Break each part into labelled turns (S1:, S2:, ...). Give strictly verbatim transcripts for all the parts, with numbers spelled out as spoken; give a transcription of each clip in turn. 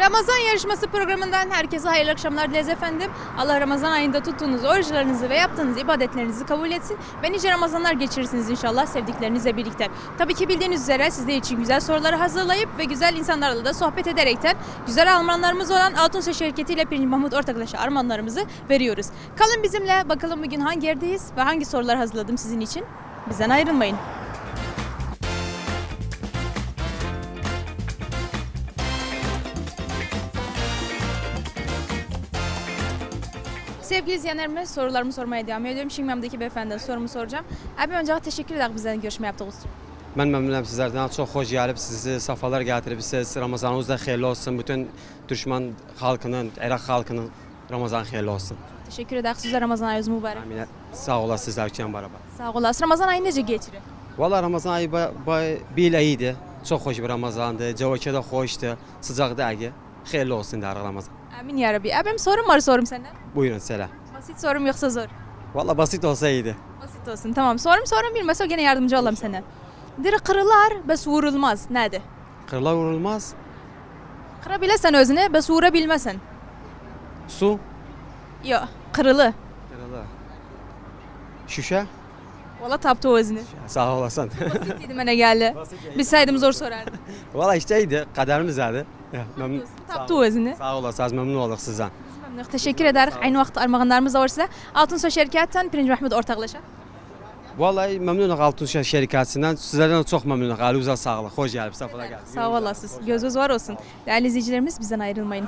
S1: Ramazan yarışması programından herkese hayırlı akşamlar dileriz efendim. Allah Ramazan ayında tuttuğunuz oruçlarınızı ve yaptığınız ibadetlerinizi kabul etsin ve nice Ramazanlar geçirirsiniz inşallah sevdiklerinizle birlikte. Tabii ki bildiğiniz üzere sizler için güzel soruları hazırlayıp ve güzel insanlarla da sohbet ederekten güzel armağanlarımız olan Altunsa şirketiyle Pirinç Mahmut Ortaklaşa armağanlarımızı veriyoruz. Kalın bizimle, bakalım bugün hangi yerdeyiz ve hangi sorular hazırladım sizin için. Bizden ayrılmayın. Sevgili izleyenlerime sorularımı sormaya devam ediyorum. Şimdi memdeki beyefendiden sorumu soracağım. Abi önce teşekkür ederim bizden görüşme yaptığınız için.
S2: Ben memnunum sizlerden. Çok hoş gelip sizi safalar getirmişsiniz. Ramazanınız da hayırlı olsun. Bütün Türkmen halkının, Irak halkının Ramazan hayırlı olsun.
S1: Teşekkür ederim. Size Ramazan ayınız mübarek.
S2: Amin. Sağ olasınız sizlerle beraber.
S1: Sağ olasın. Ramazan ayı nece geçirir?
S2: Valla Ramazan ayı ba, ba, bir iyiydi. Çok hoş bir Ramazandı. Cevake de hoştu. Sıcak dergi. Hayırlı olsun der Ramazan.
S1: Amin ya Rabbi. Abim sorum var sorum senden.
S2: Buyurun selam.
S1: Basit sorum yoksa zor?
S2: Valla basit olsa iyiydi.
S1: Basit olsun. Tamam. Sorum sorum bilmezse gene yardımcı olayım sana. Diri kırılar bes vurulmaz. Nerede?
S2: Kırlar vurulmaz.
S1: Kırabilesen özüne bes vurabilmesen.
S2: Su.
S1: Yok. Kırılı.
S2: Kırılar. Şüşe.
S1: Valla taptı o özünü.
S2: Sağ olasın.
S1: Basit dedim bana geldi. Bilseydim zor sorardım.
S2: Valla işte iyiydi. Kaderimiz vardı. Memnun.
S1: Taptı o özünü.
S2: Sağ olasınız. Memnun olduk sizden.
S1: Memnun. Teşekkür ederiz. Aynı vakit armağanlarımız da var size. Altunsa şirketten Pirinç Mahmut Ortaklaşa.
S2: Vallahi memnunum Altunsa şirketinden. Sizlerden çok memnunum. Elinize sağlık. Hoş geldiniz. Safalar geldiniz.
S1: Sağ olasınız. Gözünüz var olsun. Değerli izleyicilerimiz bizden ayrılmayın.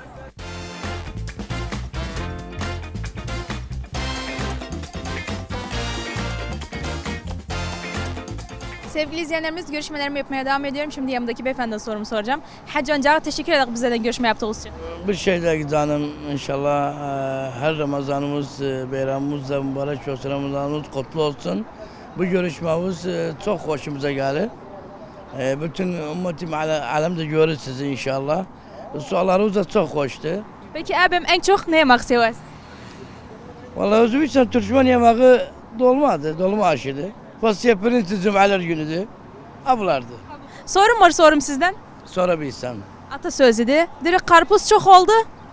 S1: Sevgili izleyenlerimiz görüşmelerimi yapmaya devam ediyorum. Şimdi yanımdaki beyefendiden sorumu soracağım. Hacı Ancar'a teşekkür ederim bizden görüşme yaptığınız için.
S3: Bir şey de canım inşallah e, her Ramazanımız, e, bayramımız da mübarek olsun, Ramazanımız kutlu olsun. Bu görüşmemiz e, çok hoşumuza geldi. E, bütün ümmetim alemde görür sizi inşallah. Sorularınız da çok hoştu.
S1: Peki abim en çok ne yemek seversin?
S3: Vallahi Özbekistan Türkmen yemeği dolmadı, dolma aşıydı. Fasya pirinç cum'alar günüdü. Ablardı.
S1: Sorum var sorum sizden.
S3: Sorabilsem.
S1: Atasözüydü. Direkt karpuz çok oldu.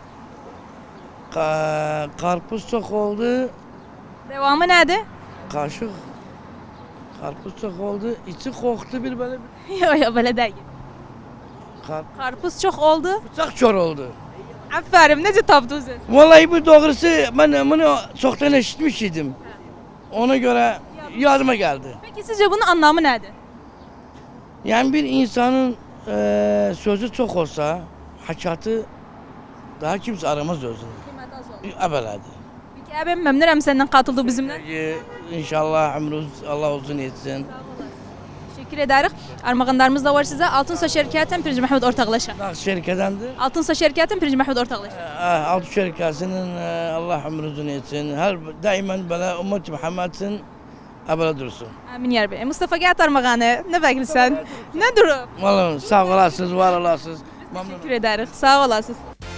S3: Ka karpuz çok oldu.
S1: Devamı nerede?
S3: Kaşık. Karpuz çok oldu. İçi koktu bir böyle.
S1: Yok yok böyle değil.
S3: Kar
S1: Karpuz çok oldu.
S3: bıçak çor oldu.
S1: Aferin nece taptınız?
S3: Vallahi bu doğrusu ben bunu çoktan eşitmiştim. Ona göre yardıma geldi.
S1: Peki sizce bunun anlamı nerede?
S3: Yani bir insanın eee sözü çok olsa hakikati daha kimse aramaz özünü. Ebeladi.
S1: Peki abim memnunum senden katıldı bizimle.
S3: Ee, İnşallah ömrünüz Allah uzun etsin.
S1: Teşekkür ederiz. Armağanlarımız da var size. Altunsa şirketten Pirinç Mahmut Ortaklaşa.
S3: Daha şirketendi.
S1: Altunsa şirketten Pirinç Mahmut Ortaklaşa.
S3: Altı şirkasının e, Allah ömrünü uzun etsin. Her daima böyle ümmet Muhammed'in ebele dursun.
S1: Amin ya Rabbi. E, Mustafa gel armağanı. Ne bekliyorsun? Ne durum?
S3: Vallahi sağ olasınız, var olasınız. Memnunum.
S1: Teşekkür ederiz. Sağ olasınız.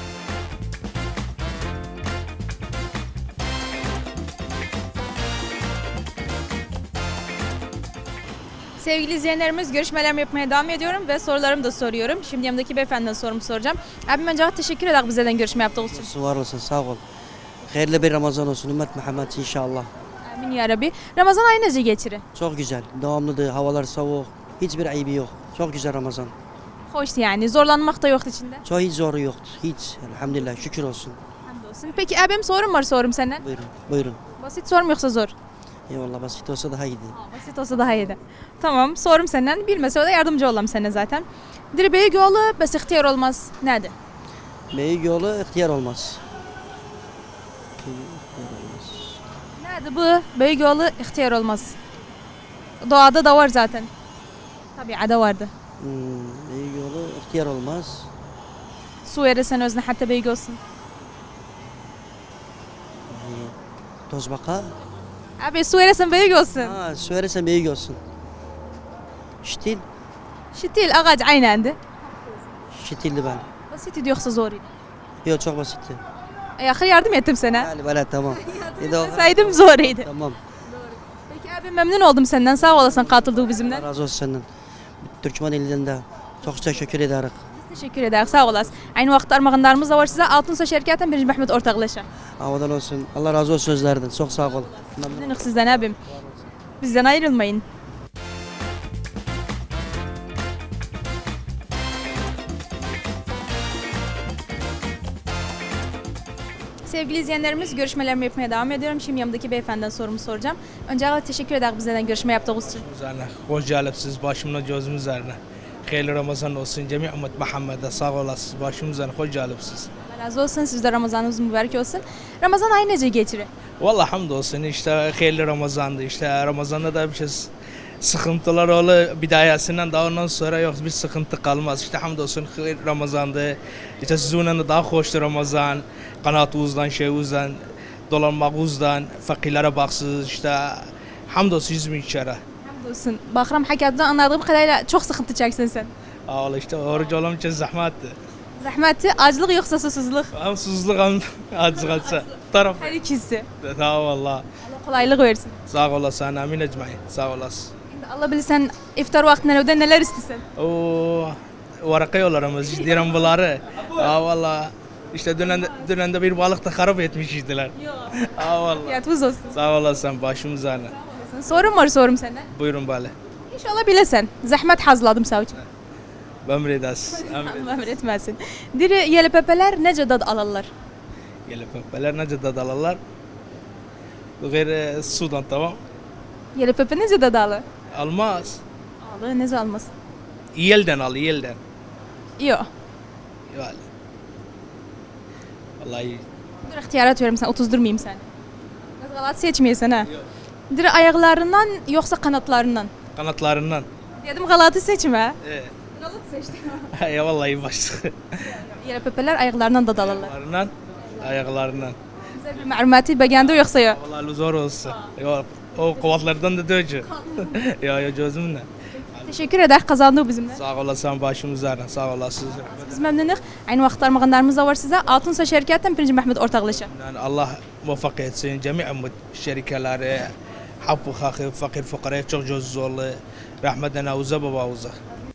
S1: Sevgili izleyenlerimiz görüşmelerimi yapmaya devam ediyorum ve sorularımı da soruyorum. Şimdi yanımdaki beyefendiden sorumu soracağım. Abim önce teşekkür ederim bizden görüşme yaptığınız için.
S4: Var olsun, sağ ol. Hayırlı bir Ramazan olsun ümmet Muhammed inşallah.
S1: Amin ya Rabbi. Ramazan ayı nece geçirir?
S4: Çok güzel, devamlıdır, havalar soğuk, hiçbir ayıbı yok. Çok güzel Ramazan.
S1: Hoş yani zorlanmak da yok içinde.
S4: Çok hiç zoru yoktu, hiç. Elhamdülillah, şükür olsun.
S1: Hamdolsun. Peki abim sorum var sorum senden.
S4: Buyurun, buyurun.
S1: Basit sorum yoksa zor?
S4: Eyvallah, basit olsa daha iyiydi.
S1: Basit olsa daha iyiydi. Tamam sorum senden. Bilmese o da yardımcı olalım sana zaten. Dirbeyi yolu bes ihtiyar olmaz. Nerede?
S4: Büyük yolu ihtiyar olmaz. İhtiyar olmaz.
S1: Nerede bu? Büyük yolu ihtiyar olmaz. Doğada da var zaten. Tabiada vardı.
S4: Hmm, büyük yolu ihtiyar olmaz.
S1: Su verirsen özüne hatta büyük olsun.
S4: Tozbaka.
S1: Abi su verirsen büyük olsun.
S4: Ha, söylersen büyük olsun. Şitil,
S1: Şitil ağaç aynı.
S4: şitildi ben.
S1: Basit idi yoksa zor idi.
S4: Yok, çok basitti.
S1: E, ahir yardım ettim sana.
S4: Yani böyle tamam. İyi de o-
S1: Saydım zor idi.
S4: Tamam.
S1: Peki abi memnun oldum senden. Sağ olasın katıldığı bizimle.
S4: Allah razı olsun senden. Türkmen elinden de çok teşekkür ederiz.
S1: Teşekkür ederiz. Sağ olasın. Aynı vakit armağanlarımız da var size. Altınsa şirketten birinci Mehmet ortaklaşa.
S4: Havadan olsun. Allah razı olsun sözlerden. Çok sağ ol.
S1: Memnunum sizden abim. Bizden ayrılmayın. Sevgili izleyenlerimiz, görüşmelerimi yapmaya devam ediyorum. Şimdi yanımdaki beyefendiden sorumu soracağım. Öncelikle teşekkür ederim bizden görüşme yaptığınız için.
S5: üzerine. Hoş geldiniz başımla gözüm üzerine. Hayırlı Ramazan olsun. Cemi ümmet Muhammed'e sağ olasınız. Başım üzerine hoş geldiniz.
S1: Allah razı olsun. Siz de Ramazanınız mübarek olsun. Ramazan ayı nece geçirir?
S5: Vallahi hamdolsun işte hayırlı Ramazan'dı. İşte Ramazan'da da bir şey sıkıntılar oldu. Bidayesinden daha ondan sonra yok bir sıkıntı kalmaz. İşte hamdolsun hayırlı Ramazan'dı. İşte sizinle de daha hoştu Ramazan. Kanatımızdan, şeyimizden, dolanmamızdan, fakirlere baksız işte hamdolsun yüz bin kere.
S1: Hamdolsun. Bakram hakikaten anladığım kadarıyla çok sıkıntı çeksin sen.
S5: Vallahi işte oruç olmam için zahmetti.
S1: Zahmeti, acılık yoksa susuzluk.
S5: Hem susuzluk hem acıkatsa. Taraf.
S1: Her ikisi.
S5: Tamam valla.
S1: Allah kolaylık versin.
S5: Sağ olasın. Amin ecmaîn. Sağ olasın.
S1: Şimdi Allah bilirsen iftar vaktinde evde neler istesen.
S5: O varaka yollarımız diyorum bunları. Aa valla. İşte dünen, dünen de bir balık da harap etmişizdiler. Aa valla.
S1: Fiyatımız olsun.
S5: Sağ olasın başım üzerine.
S1: Sorum var sorum senden.
S5: Buyurun bale.
S1: İnşallah bilesen. Zahmet hazırladım sağ için.
S5: Emredas.
S1: Allah emretmesin. Diri yeli pepeler nece dad alırlar?
S5: Gelip öpeler nece dadalarlar. Gayr sudan tamam.
S1: Yeli pepe nece dad alır?
S5: Almaz.
S1: Alır nece almaz?
S5: Yelden al yelden.
S1: Yok.
S5: Yani. Vallahi
S1: Dur ihtiyarat veririm sen. otuz durmayayım sen. Biraz galat seçmeyesin ha. Diri ayaklarından yoksa kanatlarından?
S5: kanatlarından.
S1: Dedim galatı seçme.
S5: Ee,
S1: Galat seçtim.
S5: ya vallahi başlığı.
S1: Yeli pepeler ayaklarından dad alırlar.
S5: Ayaklarından, ayaklarından.
S1: Güzel bir marumati beğendi yoksa yok.
S5: Vallahi zor olsun. Yok, o kuvvetlerden de dövücü. ya ya gözümle.
S1: Teşekkür eder kazandığı bizimle.
S5: Sağ olasın başım üzerine. Sağ olasın.
S1: Biz memnunuz. Aynı vakit armağanlarımız da var size. Altınsa şirketten birinci Mehmet ortaklaşa.
S5: Yani Allah muvaffak etsin. Cemi ümmet şerikeleri, hakkı hakı, fakir fukaraya çok göz zorlu. Rahmetten avuza babamıza.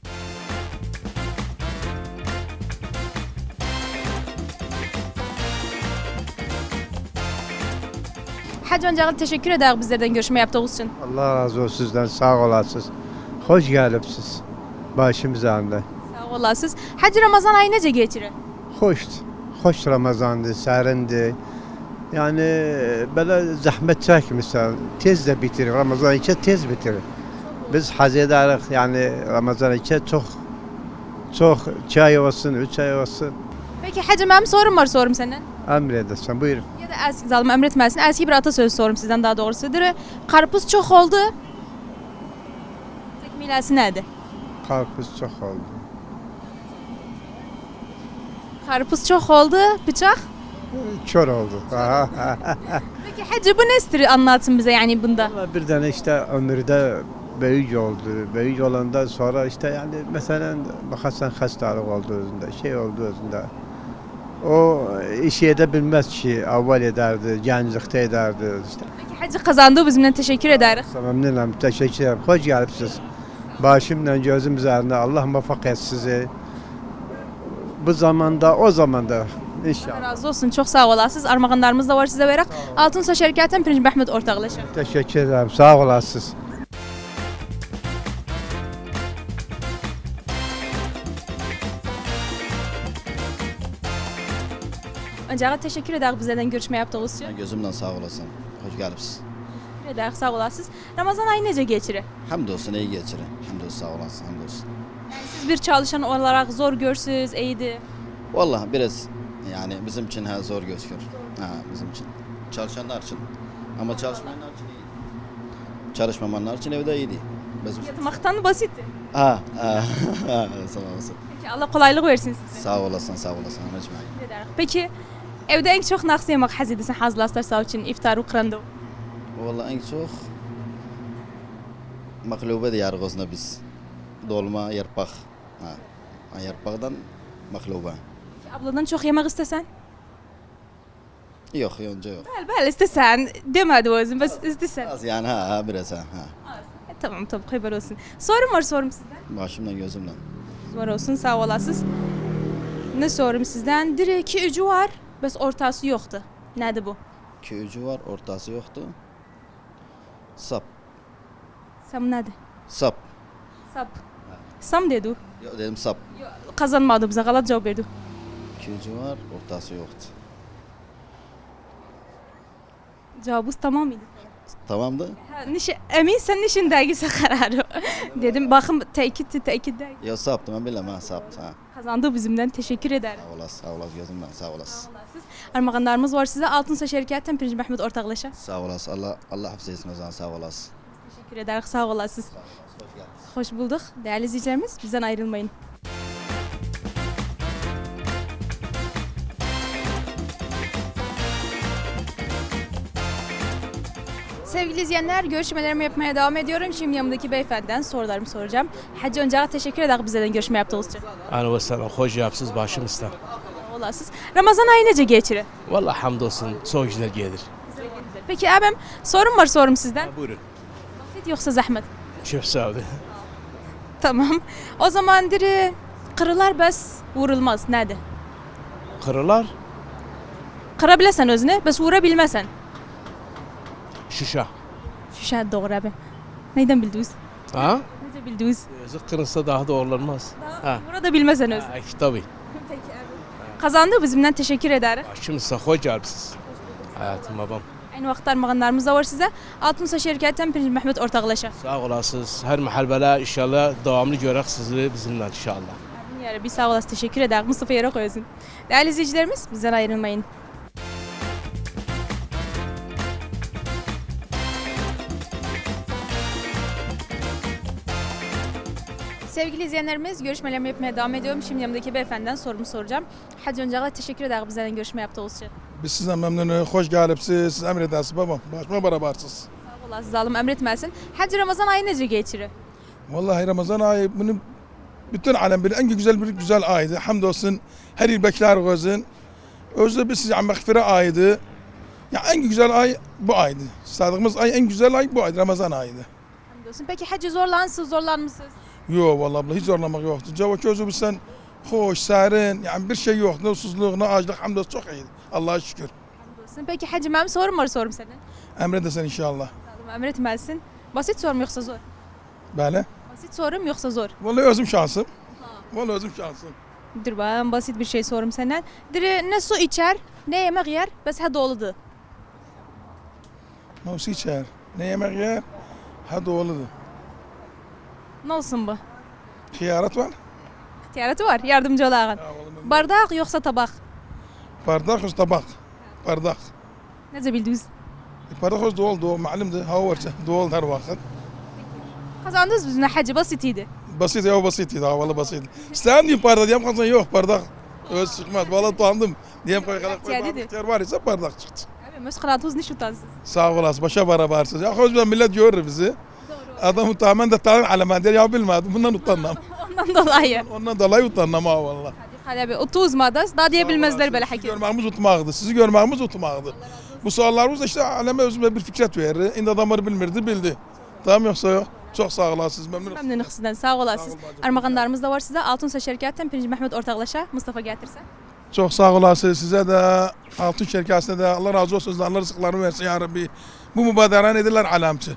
S1: Hacı öncelikle teşekkür eder bizlerden görüşme yaptığınız için.
S6: Allah razı olsun sizden sağ olasınız. Hoş geldiniz başımız ağrında.
S1: Sağ olasınız. Hacı Ramazan ayı nece geçirir?
S6: Hoştu. Hoş Ramazandı, serindi. Yani böyle zahmet çekmişler. Tez de bitirir. Ramazan içi tez bitirir. Biz haz ederiz yani Ramazan içi çok çok çay olsun, üç ay olsun.
S1: Peki hacı benim sorum var sorum senden.
S6: Emredersin buyurun.
S1: Ya da eski zalim emretmesin. Eski bir atasözü sorum sizden daha doğrusudur. Karpuz çok oldu. Tekmilesi neydi?
S6: Karpuz çok oldu.
S1: Karpuz çok oldu. Bıçak.
S6: Kör oldu.
S1: Peki hacı bu nestir anlatsın bize yani bunda.
S6: Vallahi bir tane işte ömürde büyük oldu. Büyük olandan sonra işte yani mesela bakarsan hastalık oldu özünde, şey oldu özünde. O işi edebilmez ki, evvel ederdi, gençlikte ederdi işte.
S1: Peki hacı kazandığı bizimle teşekkür ederiz.
S6: Memnunum, teşekkür ederim. Hoş geldiniz. Başımla gözüm üzerinde Allah muvaffak et sizi. Bu zamanda, o zamanda
S1: Allah
S6: inşallah.
S1: razı olsun. Çok sağ olasınız. Armağanlarımız da var size vererek. Altınsa şirketten birinci Mehmet ortaklaşa.
S6: Teşekkür ederim. Sağ olasınız.
S1: Öncelikle teşekkür ederiz bizlerden görüşme yaptığınız için.
S7: Gözümden sağ olasın. Hoş geldiniz.
S1: Teşekkür ederiz. Sağ olasınız. Ramazan ayı nece geçirir?
S7: Hamdolsun iyi geçirin. Hamdolsun sağ olasın. Hamdolsun.
S1: Yani siz bir çalışan olarak zor görsünüz, iyiydi.
S7: Vallahi biraz yani bizim için ha, zor gözüküyor. Ha, bizim için. Çalışanlar için. Ama çalışmayanlar için iyi. Çalışmayanlar için evde iyiydi. Bizim...
S1: Yatmaktan basitti.
S7: Ha, ha, ha, sağ olasın.
S1: Peki Allah kolaylık versin size.
S7: Sağ olasın, sağ olasın. Anacığım.
S1: Teşekkür ederiz. Peki evde en çok nasıl yemek haz edesin hazırlaslar sağ için iftar ve kıranda?
S7: Vallahi en çok maklube de yargısına biz. Dolma, yarpak. Ha, ha, yarpaktan maklube.
S1: Abladan çok yemek istesen?
S7: Yok, önce yok.
S1: Bel bel istesen demedi o yüzden bas istesen.
S7: Az yani ha, ha biraz ha. ha.
S1: E, tamam tamam haber olsun. Sorum var sorum sizden.
S7: Başımdan gözümden.
S1: Var olsun sağ olasınız. Ne sorum sizden? Dire iki ucu var, bes ortası yoktu. Nedir bu?
S7: İki ucu var, ortası yoktu. Sap.
S1: Sam nedir?
S7: Sap.
S1: Sap. Sam dedi.
S7: Yok dedim sap.
S1: Kazanmadı bize, galat cevap verdi.
S7: İki ucu var, ortası yoktu.
S1: Cevabınız tamam mıydı?
S7: Tamamdı.
S1: Ha, niş, emin sen nişin dergisi kararı. Dedim bakın tekitti tekit dergi.
S7: Ya saptı ben bilemem ha saptı ha.
S1: Kazandı bizimden, teşekkür ederim.
S7: Sağ olasın, sağ olasın gözümden sağ olasın.
S1: Armağanlarımız var size. Altınsaç Şirketi'nden Pirinç Mehmet ortaklaşa.
S7: Sağ olasın. Allah Allah hafız etsin o zaman sağ olasın.
S1: Teşekkür ederiz, sağ olasınız. Hoş bulduk. Değerli izleyicilerimiz, bizden ayrılmayın. Sevgili izleyenler, görüşmelerimi yapmaya devam ediyorum. Şimdi yanımdaki beyefendiden sorularımı soracağım. Hacı önce teşekkür ederim bizden görüşme yaptığınız için.
S8: Ana ve selam, hoş yapsız başımızda.
S1: Sağ olasınız. Ramazan ayı nece geçirir?
S8: Vallahi hamdolsun, soğuk güzel gelir.
S1: Peki abim, sorum var sorum sizden.
S8: Buyurun.
S1: Basit yoksa zahmet?
S8: Çok sağ olun.
S1: Tamam. O zaman diri kırılar bes vurulmaz. Nedir?
S8: Kırılar,
S1: Kırabilesen özünü, bes vurabilmesen.
S8: şuşa.
S1: Şu şey doğru abi. Neyden bildiniz?
S8: Ha?
S1: Nece bildiniz?
S8: Yazık kırılsa daha doğrulanmaz. Ha.
S1: Burada bilmesen öz.
S8: Ha, tabii.
S1: Kazandı bizimden teşekkür ederim.
S8: Başımızda hoş yapsız. Hayatım babam.
S1: Aynı vakit armağanlarımız da var size. Altınsaç Şirketi'nden Pirinç Mehmet ortaklaşa.
S8: Sağ olasınız. Her mahallede inşallah devamlı görək sizi bizimle inşallah.
S1: Yani bir sağ olasın, teşekkür ederim. Mustafa yere koyuyorsun. Değerli izleyicilerimiz, bizden ayrılmayın. Sevgili izleyenlerimiz, görüşmelerimi yapmaya devam ediyorum. Şimdi yanımdaki beyefendiden sorumu soracağım. Hacı öncelikle teşekkür ederim bizden görüşme yaptığınız için.
S9: Biz sizden memnunuz, hoş gelipsiz, siz emredersiniz babam. Başıma barabarsız.
S1: Sağ olasınız, zalim emretmesin. Hacı Ramazan ayı nece geçirir?
S9: Vallahi Ramazan ayı bunu bütün alem bilir. En güzel bir güzel aydı. Hamdolsun her yıl bekler gözün. Özde biz size mağfire ayıydı. Ya en güzel ay bu aydı. Sadığımız ay en güzel ay bu aydı. Ramazan ayıydı.
S1: Hamdolsun. Peki hacı zorlansız, zorlanmışsınız?
S9: Yok vallahi abla hiç zorlamak yoktu. Cevap çözü bizden hoş, serin. Yani bir şey yok. Ne susuzluk, ne açlık. Hamdolsun çok iyiydi. Allah'a şükür.
S1: Hamdolsun. Peki hacı benim sorum var sorum senin.
S9: Emredersen inşallah.
S1: Zalim emretmesin. Basit sorum yoksa zor?
S9: Böyle.
S1: Basit sorum yoksa zor?
S9: Vallahi özüm şansım. Vallahi özüm şansım.
S1: Dur ben basit bir şey sorum senden. Dire ne su içer, ne yemek yer, bes ha doludu.
S9: Ne su içer, ne yemek yer, ha doğuludur.
S1: Ne olsun bu?
S9: Hiyaret var.
S1: İhtiyaratı var, yardımcı olağın. Bardak yoksa tabak.
S9: Bardak öz tabak. Bardak.
S1: Nece bildiniz?
S9: Bardak öz doğal doğal malumdu. Hava var doğal her vakit.
S1: Kazandınız bizimle hacı basitiydi.
S9: Basit ya basit idi havalı basit. Sen diyeyim bardak diyeyim kazan yok bardak. Öz çıkmaz. Vallahi utandım. Diyeyim koy kadar koy
S1: İhtiyar dedi.
S9: bardak var ise bardak çıktı.
S1: Abi müskılatınız niş utansız.
S9: Sağ olasın başa barabarsız. Ya hoş bir millet görür bizi. Adamı tamamen de tanır alamet der ya bilmedim. Bundan utanmam.
S1: Ondan dolayı.
S9: Ondan dolayı utanmam ha vallahi.
S1: Hadi abi otuz madas daha diyebilmezler böyle
S9: Sizi
S1: hakim.
S9: görmemiz utmağdı. Sizi görmemiz utmağdı. Bu sorularımız da işte aleme özüme bir fikret verir. İndi adamları bilmirdi bildi. Tamam yoksa yok. Çok sağ olasınız. Memnun oldum.
S1: Memnunum sizden, sağ olasınız. Armağanlarımız da var size. Altınsaç Şirketi'nden Pirinç Mehmet ortaklaşa. Mustafa getirse.
S9: Çok sağ olasınız. Size de Altın Şirketi'ne de Allah razı olsun. Allah rızıklarını versin ya Rabbi. Bu mübaderen edirler alamçı.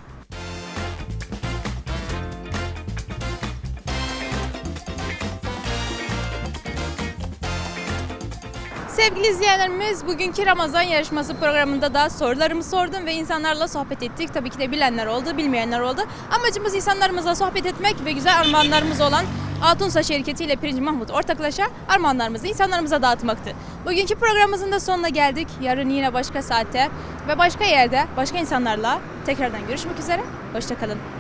S1: Sevgili izleyenlerimiz, bugünkü Ramazan yarışması programında da sorularımı sordum ve insanlarla sohbet ettik. Tabii ki de bilenler oldu, bilmeyenler oldu. Amacımız insanlarımızla sohbet etmek ve güzel armağanlarımız olan Altınsaç Şirketi ile Pirinç Mahmut ortaklaşa armağanlarımızı insanlarımıza dağıtmaktı. Bugünkü programımızın da sonuna geldik. Yarın yine başka saatte ve başka yerde, başka insanlarla tekrardan görüşmek üzere. Hoşça kalın.